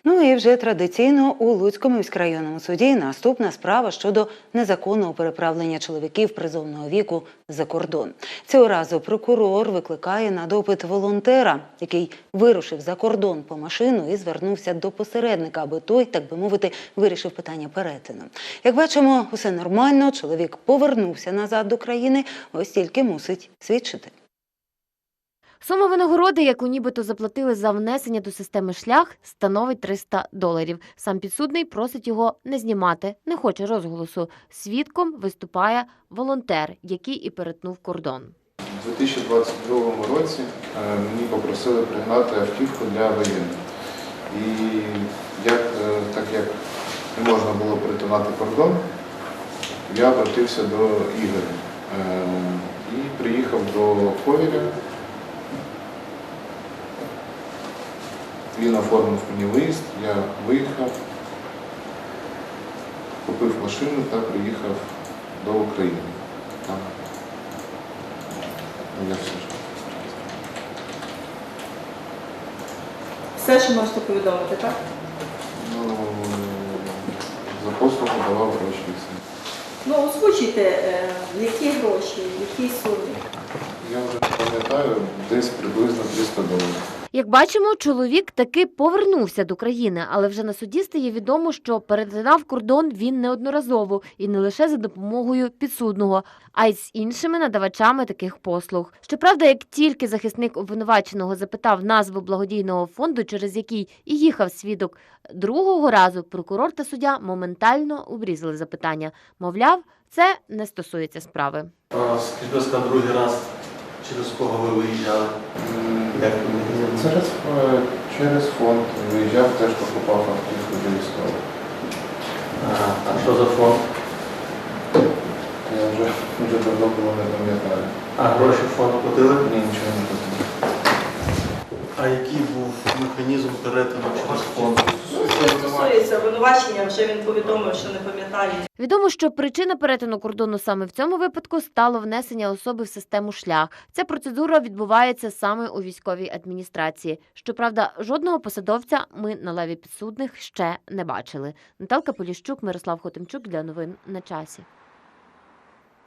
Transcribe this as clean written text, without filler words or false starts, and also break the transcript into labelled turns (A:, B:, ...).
A: Ну і вже традиційно у Луцькому міськрайонному суді наступна справа щодо незаконного переправлення чоловіків призовного віку за кордон. Цього разу прокурор викликає на допит волонтера, який вирушив за кордон по машину і звернувся до посередника, аби той, так би мовити, вирішив питання перетину. Як бачимо, усе нормально, чоловік повернувся назад до країни, ось тільки мусить свідчити.
B: Сума винагороди, яку нібито заплатили за внесення до системи «Шлях», становить $300. Сам підсудний просить його не знімати, не хоче розголосу. Свідком виступає волонтер, який і перетнув кордон.
C: У 2022 році мені попросили пригнати автівку для воєнних. І так як не можна було перетинати кордон, я обратився до Ігоря і приїхав до Ковеля. Він оформив мені виїзд, я виїхав, купив машину та приїхав до України. Там я все ж.
D: Все, що можете повідомити, так?
C: Ну, за послугу давав гроші і все.
D: Ну, озвучуйте, які гроші, які суми.
C: Я вже не пам'ятаю, десь приблизно $300.
B: Як бачимо, чоловік таки повернувся до країни, але вже на суді стає відомо, що перетинав кордон він неодноразово і не лише за допомогою підсудного, а й з іншими надавачами таких послуг. Щоправда, як тільки захисник обвинуваченого запитав назву благодійного фонду, через який і їхав свідок другого разу, прокурор та суддя моментально обрізали запитання. Мовляв, це не стосується справи.
E: Скажіть, будь ласка, другий раз через кого ви виїжджали?
C: Через фонд виїжджав, теж покупав автівку для військових.
E: А що за фонд?
C: Я вже давно було не пам'ятаю.
E: А гроші в фонд платили?
C: Ні, нічого не платив.
E: А який був механізм перетину через фонд?
D: Що стосується обвинувачення, вже він повідомив, що не пам'ятає.
B: Відомо, що причина перетину кордону саме в цьому випадку стало внесення особи в систему «Шлях». Ця процедура відбувається саме у військовій адміністрації. Щоправда, жодного посадовця ми на лаві підсудних ще не бачили. Наталка Поліщук, Мирослав Хотимчук для новин на часі.